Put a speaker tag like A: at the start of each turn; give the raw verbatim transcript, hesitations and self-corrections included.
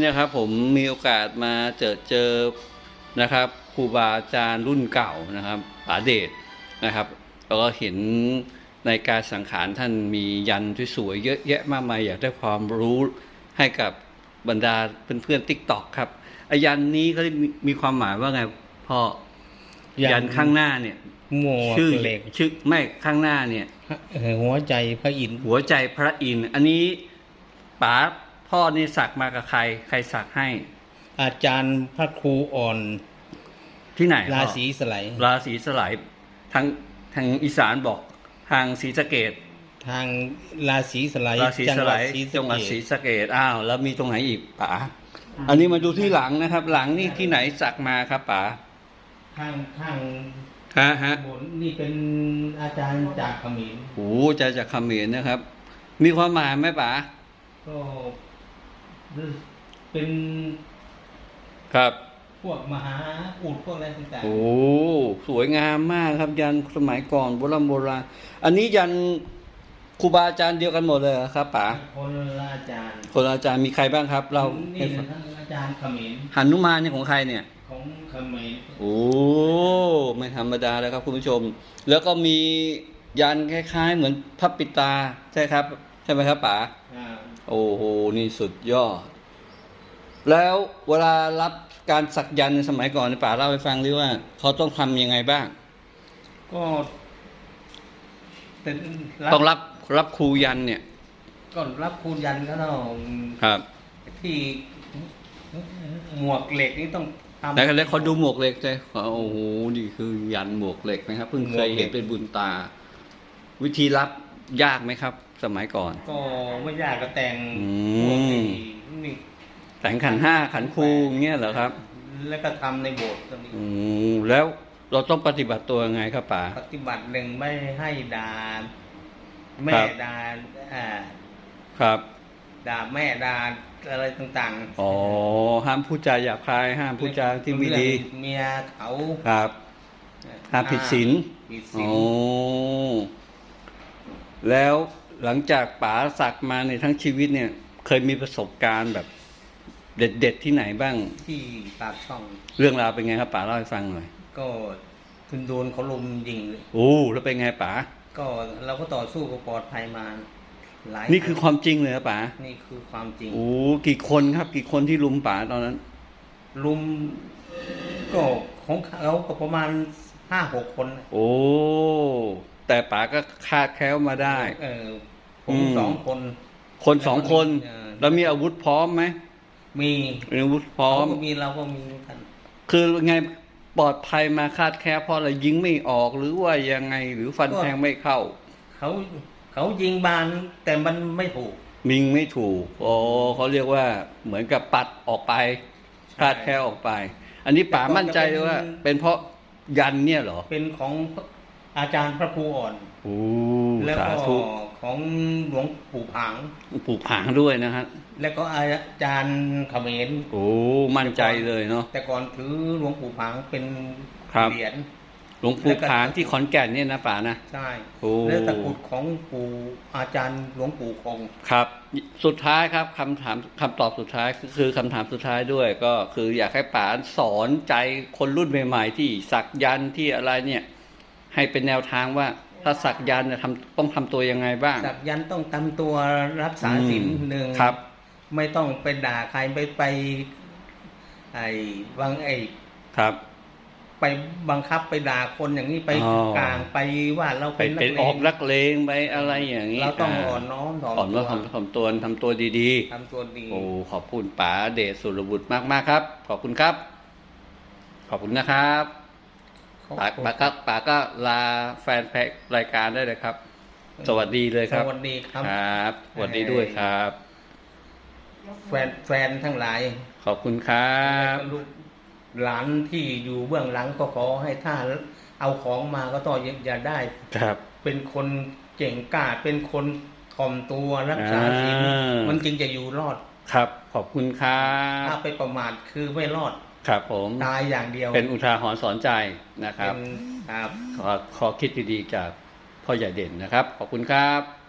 A: นะครับผมมีโอกาสมาเจอเจอนะครับครูบาอาจารย์รุ่นเก่านะครับป๋าเดชนะครับแล้วก็เห็นในการสังขารท่านมียันที่สวยเยอะแยะมากมายอยากได้ความรู้ให้กับบรรดาเพื่อนๆติ๊กต็อกครับอายันนี้เขามีความหมายว่าไงพ่อยันข้างหน้าเนี่ย
B: หมวก
A: ชื่อ
B: เหล็ก
A: ชื่อไม่ข้างหน้าเนี่ย
B: หัวใจพระอินทร์
A: หัวใจพระอินทร์อันนี้ป๋าพ่อนี่สักมากับใครใครสักให้
B: อาจารย์พระครูอ่อน
A: ที่ไหน
B: ราศีสไลด์
A: ราศีสไลด์ทางทางอีสานบอกทางศรีสะเกษ
B: ทางราศีสไลด์
A: ราศีสไลด์จังหวัดศรีสะเกษอ้าวแล้วมีตรงไหนอีกป๋าอันนี้มาดูที่หลังนะครับ หลังนี่ที่ไหนสักมาครับป๋า
B: ข้างข้าง
A: ฮะฮะ
B: นี่เป็นอาจารย์จากเขมร
A: โอ้จะจากเขมรนะครับมีความหมายไหมป๋า
B: ก็เป็น
A: ครับ
B: พวกมหาอุดพวกอะไรต่างๆ
A: โอ้สวยงามมากครับยันสมัยก่อนโบราณโบราณอันนี้ยันครูบาอาจารย์เดียวกันหมดเลยครับป๋า
B: คนละอาจารย์
A: คนละอาจารย์มีใครบ้างครับเรา
B: นี่ทั้งอาจารย์เขมร
A: หนุมานนี่ของใครเนี่ย
B: ของเขมร
A: โอ้ไม่ธรรมดาเลยครับคุณผู้ชมแล้วก็มียันคล้ายๆเหมือนพระปิตาใช่ครับใช่ไหมครับป๋าโอ้โหนี่สุดยอดแล้วเวลารับการสักยันต์ในสมัยก่อนในป๋าเล่าให้ฟังหรือว่าเขาต้องทำยังไงบ้าง
B: ก็
A: ต้องรับรับครูยันเนี่ย
B: ก็รับครูยันก็ต้อง
A: ครับ
B: ที่หมวกเหล็กนี่ต้อง
A: ทำแล้วเขาดูหมวกเหล็กเลยโอ้โหนี่คือยันหมวกเหล็กนะครับเพิ่งเคยเห็นเป็นบุญตาวิธีรับยากไหมครับสมัยก่อน
B: ก็ไม่ยากก็แต่ง
A: นี่แต่งขันห้าขันครูเงี้ยเหรอครับ
B: แล้วก็ทำในโบสถ์ตรงนี้
A: อืมแล้วเราต้องปฏิบัติตัวยังไงครับป๋า
B: ปฏิบัติหนึ่งไม่ให้ด่าแม่ด่าอ่า
A: ครับ
B: ด่าแม่ด่าอะไรต่าง
A: ๆอ๋อห้ามพูดจาหยาบคายห้ามพูดจาที่ไม่ดี
B: เมียเขา
A: ครับห้ามผิดศีลโอ้แล้วหลังจากป๋าสักมาในทั้งชีวิตเนี่ยเคยมีประสบการณ์แบบเด็ดๆที่ไหนบ้าง
B: ที่ปากช่อง
A: เรื่องราวเป็นไงครับป๋าเล่าให้ฟังหน่อย
B: ก็คุณโดนเขาลุมยิงเลย
A: โอ้แล้วเป็นไงป๋า
B: ก็เราก็ต่อสู้กับปลอดภัยมาหลาย
A: นี่คือความจริงเลยครับป๋า
B: นี่คือความจริง
A: โอ้กี่คนครับกี่คนที่ลุมป๋าตอนนั้น
B: ลุมก็ของเขาก็ประมาณห้าหกคน
A: โอ้แต่ป๋าก็คาดแคล้วมาได้
B: เออผมสองคน
A: คนสองคนแล้วมีอาวุธพร้อมไหม
B: มี
A: อาวุธพร้อม
B: มีเราก็มีกัน
A: คือไงปลอดภัยมาคาดแคล้วเพราะอะไรยิงไม่ออกหรือว่ายังไงหรือฟันแทงไม่เข้า
B: เขาเขายิงบานแต่มันไม่ถูก
A: มิงไม่ถูกอ๋อเขาเรียกว่าเหมือนกับปัดออกไปคาดแคล้วออกไปอันนี้ป๋ามั่นใจเลยว่าเป็นเพราะยันเนี่ยเหรอ
B: เป็นของอาจารย์พระครูอ่อน
A: โอ้
B: แล้วก็ของหลวงปู่ผาง
A: ปู่ผางด้วยนะฮะ
B: แล้วก็อาจารย์เขมร
A: โอ้มั่นใจเลยเนาะ
B: แต่ก่อนถือหลวงปู่ผางเป็นเหรียญ
A: หลวงปู่ผางที่ขอนแก่นเนี่ยนะป๋านะ
B: ใช่แล้วตะกรุดของปู่อาจารย์หลวงปู่คง
A: ครับสุดท้ายครับคำถามคำตอบสุดท้ายคือคำถามสุดท้ายด้วยก็คืออยากให้ป๋าสอนใจคนรุ่นใหม่ๆที่สักยันต์ที่อะไรเนี่ยให้เป็นแนวทางว่าถ้าสักยันต์เนี่ยทำต้องทำตัวยังไงบ้าง
B: สักยันต์ต้องทำตัวรักษาศีลหนึ่ง
A: ครับ
B: ไม่ต้องไปด่าใครไปไปไอ้บางไอ้
A: ครับ
B: ไปบังคับไปด่าคนอย่างนี้ไปกลางไปว่าเรา
A: เป็นนักเลงออกนักเลงไปอะไรอย่างนี้
B: เราต้องอ่อนน้อมถ่อม
A: อ่อนน้อมถ่อมตัวทำตัวดี
B: ๆทำตัวดี
A: โอ้ขอบคุณป๋าเดชสุรบุตรมากๆครับขอบคุณครับขอบคุณนะครับป๋าป๋าก็ป๋าก็ลาแฟนเพจรายการได้เลยครับสวัสดีเลยครับ
B: สวัสดีครับ
A: ครับสวัสดีด้วยครับ
B: แฟนแฟนทั้งหลาย
A: ขอบคุณครับ
B: หลานที่อยู่เบื้องหลังก็ขอให้ท่านเอาของมาก็ต้องอย่าได้
A: ครับ
B: เป็นคนเก่งกล้าเป็นคนถ่อมตัวรักษาศีลมันจึงจะอยู่รอด
A: ครับขอบคุณครับ
B: ถ้าไปประมาทคือไม่รอด
A: ครับผม
B: ตายอย่างเดียว
A: เป็นอุทาหรณ์สอนใจนะครับขอขอคิดดีๆจากพ่อใหญ่เด่นนะครับขอบคุณครับ